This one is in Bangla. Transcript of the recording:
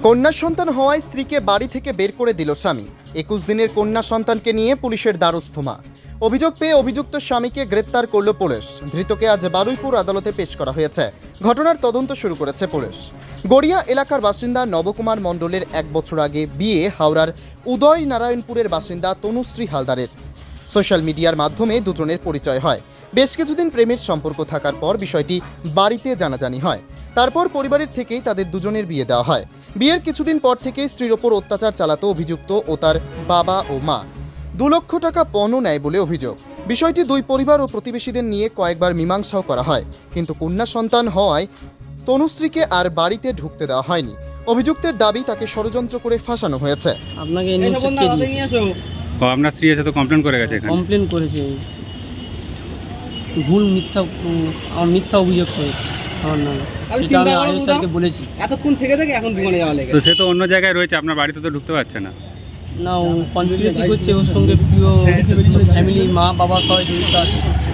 কন্যা সন্তান হওয়ায় স্ত্রীকে বাড়ি থেকে বের করে দিল স্বামী। 21 দিনের কন্যা সন্তানকে নিয়ে পুলিশের দ্বারস্থ মা। অভিযোগ পেয়ে অভিযুক্ত স্বামীকে গ্রেপ্তার করল পুলিশ। ধৃতকে আজ বারুইপুর আদালতে পেশ করা হয়েছে। ঘটনার তদন্ত শুরু করেছে পুলিশ। গড়িয়া এলাকার বাসিন্দা নবকুমার মণ্ডলের 1 বছর আগে বিয়ে হাওড়ার উদয় নারায়ণপুরের বাসিন্দা তনুশ্রী হালদারের। সোশ্যাল মিডিয়ার মাধ্যমে দুজনের পরিচয় হয়। বেশ কিছুদিন প্রেমের সম্পর্ক থাকার পর বিষয়টি বাড়িতে জানাজানি হয়। তারপর পরিবারের থেকেই তাদের দুজনের বিয়ে দেওয়া হয়। বিয়ের কিছুদিন পর থেকে স্ত্রীর ওপর অত্যাচার চালাতো অভিযুক্ত ও তার বাবা ও মা। 2 লক্ষ টাকা পণও নেয় বলে অভিযোগ। বিষয়টি দুই পরিবার ও প্রতিবেশীদের নিয়ে কয়েকবার মীমাংসাও করা হয়, কিন্তু কন্যা সন্তান হওয়ায় তনুশ্রীকে আর বাড়িতে ঢুকতে দেওয়া হয়নি। অভিযুক্তের দাবি তাকে ষড়যন্ত্র করে ফাঁসানো হয়েছে। আপনাকে এই নিউজটা কে দিয়েছে? আপনার স্ত্রী এসে তো কমপ্লেন করে গেছে এখানে। কমপ্লেন করেছে, ভুল মিথ্যা আমার মিথ্যা অভিযোগ করেছে আমার নামে। সেটা আমি আইএস স্যারকে বলেছি। এতক্ষণ থেকে এখন দোকানে যাওয়া লেগে তো সে তো অন্য জায়গায় রয়েছে, আপনার বাড়িতে তো ঢুকতে পারছে না। না, ও কনস্পিরেসি করছে, ওর সঙ্গে প্রিয় ফ্যামিলি, মা বাবা সবাই জড়িত আছে।